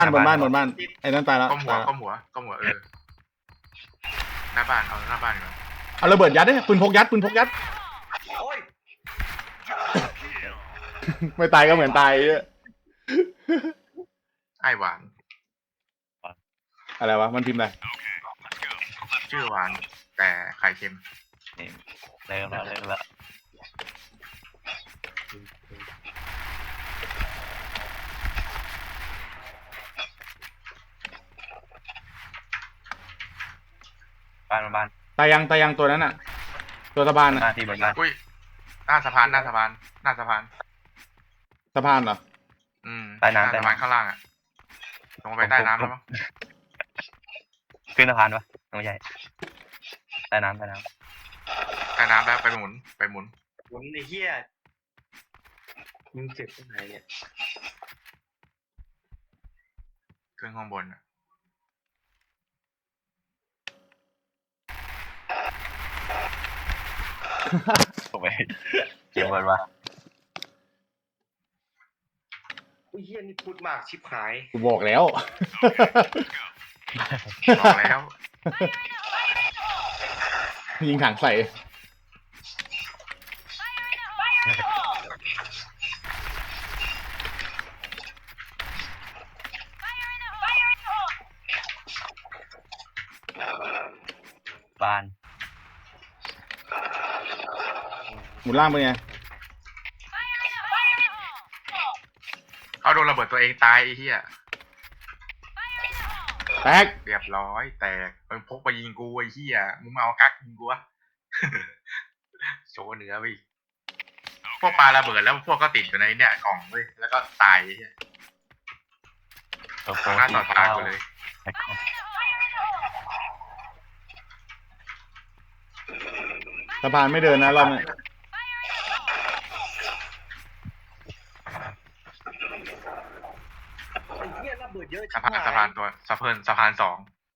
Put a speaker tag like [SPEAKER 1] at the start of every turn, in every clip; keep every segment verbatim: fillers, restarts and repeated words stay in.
[SPEAKER 1] บ้านบนบ้านบนบ้านไอ้นั่นตายแล้ว
[SPEAKER 2] ก้มหัวก้มหัวก้มหัวเออหน้าบ้านเอาหน้าบ้านก่อน
[SPEAKER 1] เอาระเบิดยัดดิปืนพกยัดปืนพกยัด
[SPEAKER 3] โอ้ย
[SPEAKER 1] ไม่ตายก็เหมือนตายเนี่ย
[SPEAKER 2] ไอหวาน
[SPEAKER 1] อะไรวะมันพิมพ์อะไร
[SPEAKER 2] ชื่อหวาน แต่ไข่เค็ม
[SPEAKER 4] นี่เริ่มแล้วเริ่มแล้วบ้านบ้าน
[SPEAKER 1] ตายยังตายยังตัวนั้นอ่ะ ตัวสะพาน
[SPEAKER 4] ห
[SPEAKER 1] อ่ะ
[SPEAKER 4] น้าที่บนบ้าน
[SPEAKER 2] อุ้ยหน้าสะพานหน้าสะพานหน้าสะพาน
[SPEAKER 1] สะพานเหรอ
[SPEAKER 2] อืม
[SPEAKER 4] ใต้
[SPEAKER 2] หน้า
[SPEAKER 4] น้ำใต้
[SPEAKER 2] สะพาน
[SPEAKER 4] น้ำ
[SPEAKER 2] ข้างล่างอ่ะลงไปใต้น้ำแล้วมั้ง
[SPEAKER 4] ขึ้นสะพานปะไม่ใช่ใต้น้ำใต้น้
[SPEAKER 2] ใต้น้ำแล้วไปหมุนไปหมุน
[SPEAKER 3] หมุนไอ้เหี้ยมึงเจ็บตรงไหนเนี่ย
[SPEAKER 2] ขึ้นข้างบนอ่ะ
[SPEAKER 4] ำถูกไหมเก็บบนวะ
[SPEAKER 3] ไอ้เหี้ยนี่พูดมากชิบหาย
[SPEAKER 1] กูบอกแล้ว
[SPEAKER 2] บอกแล้ว
[SPEAKER 1] ยิงถังใส่
[SPEAKER 4] บ้าน
[SPEAKER 1] หมุนล่างไปไง
[SPEAKER 2] เอาโดนระเบิดตัวเองตายไอ้เหี้ย
[SPEAKER 1] แตก
[SPEAKER 2] เรียบร้อยแตกมึงพกไปยิงกูไอ้เหี้ยมึงมาเอากั๊กยิงกูวะ โชว์เหนือไปอีกพวกปลาระเบิดแล้วพวกก็ติดอยู่ในเนี่ยกล่องเว้ยแล้วก็ตายไอ้เหี้ย
[SPEAKER 4] ตัวโฟ
[SPEAKER 2] หน้าต่อตากูเลย
[SPEAKER 4] ไอ้ของ
[SPEAKER 1] สะพานไม่เดินนะรอบนี้
[SPEAKER 3] ไอ้เหี้ยระเบิดเยอะชิ
[SPEAKER 2] สะ
[SPEAKER 3] บ
[SPEAKER 2] พาน
[SPEAKER 3] หาย
[SPEAKER 2] สะพานตัวสะพานสะพานสอง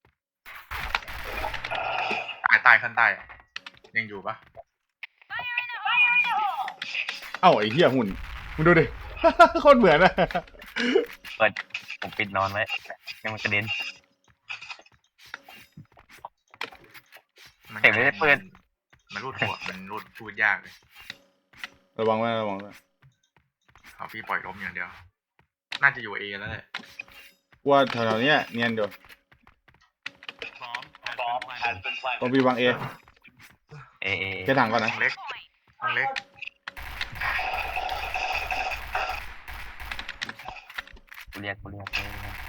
[SPEAKER 2] ใต้ใต้ขั้นใต้อะยังอยู่ปะ
[SPEAKER 1] เอ้าไอ้เหี้ยหุ่นมึงดูดิ โคตรเหมือนอะ
[SPEAKER 4] เปิดผมปิดนอนไว้ยังมันกระเด็น
[SPEAKER 2] มัน
[SPEAKER 4] เห็นไม่ได้เปิด
[SPEAKER 2] มันรูดหัวมันรูดพูดยากเลย
[SPEAKER 1] ระวังไว้ระวังไว้
[SPEAKER 2] เอาพี่ปล่อยล้มอย่างเดียว น่าจะอยู่เอแล้วแหละ
[SPEAKER 1] กว่าแถวๆเนี้ยเนียนเดี๋ยวต้องพี่วางเอ
[SPEAKER 4] เอเอ
[SPEAKER 1] แค่ถังก่อน
[SPEAKER 2] ห้
[SPEAKER 1] นะ
[SPEAKER 2] องเล็กห้องเล็ก
[SPEAKER 4] กูเรียกกูเรียก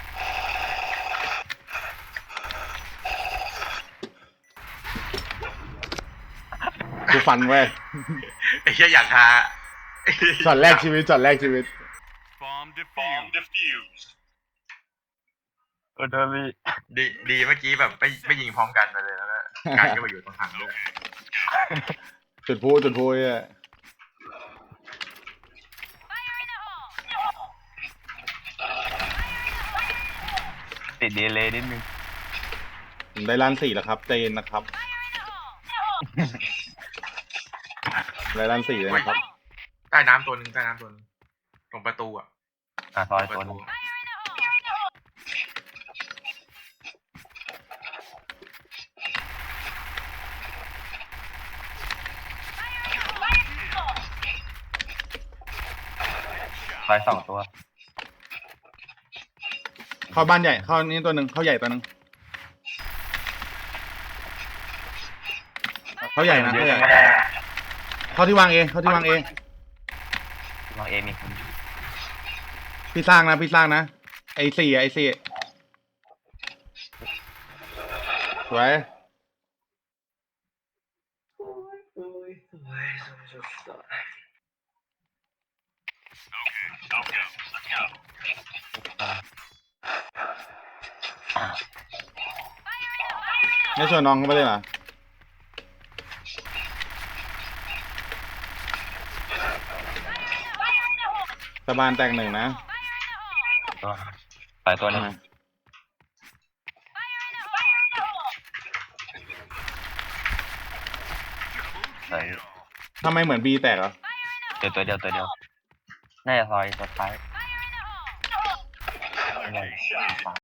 [SPEAKER 1] กูฟันไว้
[SPEAKER 2] ไอ้เหี้ยอยากหา
[SPEAKER 1] ช็อตแรกชีวิตช็อตแรกชีวิต
[SPEAKER 5] Bomb defused.
[SPEAKER 4] โอ้โดนลี
[SPEAKER 2] ดีดีเมื่อกี้แบบไม่ไม่ยิงพร้อมกันไปเลยแล้วก็การก็ไปอยู่ตรงถังด้วย
[SPEAKER 1] จุดพูจุดพูเนี่ย
[SPEAKER 4] ติดดีเลยนิดนึง
[SPEAKER 1] ผมได้ล้านสี่แล้วครับใจเย็นนะครับได้ล้านสี่เลยนะครับ
[SPEAKER 2] ใต้น้ำตัวหนึ่งใต้น้ำตัวหนึงตรงประตูอ่ะ
[SPEAKER 4] อ่ะซอย
[SPEAKER 2] ประ
[SPEAKER 4] ตัวนึ
[SPEAKER 2] ตู
[SPEAKER 4] งซอยสองตัว
[SPEAKER 1] เข้าบ้านใหญ่เข้านี่ตัวหนึ่งเข้าใหญ่ตัวหนึ่งเข้าใหญ่นะเข้าใหญ่เข้าที่วางเองเข้าที่วางเอง
[SPEAKER 4] วางเอมีคน
[SPEAKER 1] พี่สร้างนะพี่สร้างนะไอสี่ไอสี่สวย
[SPEAKER 3] โอ้ยโอ้ยโอ้ยสุดสุด
[SPEAKER 1] ไม่ชวนน้องเข้าไปเลยเหรอสะบานแตกหนึ่งนะ
[SPEAKER 4] ตัวซอยตัวนึงซอย
[SPEAKER 1] ทำไมเหมือนบีแตกเหรอ
[SPEAKER 4] เดียวตัวเดียวตัวเดียวน่าจะซอยตัวท้าย
[SPEAKER 5] location.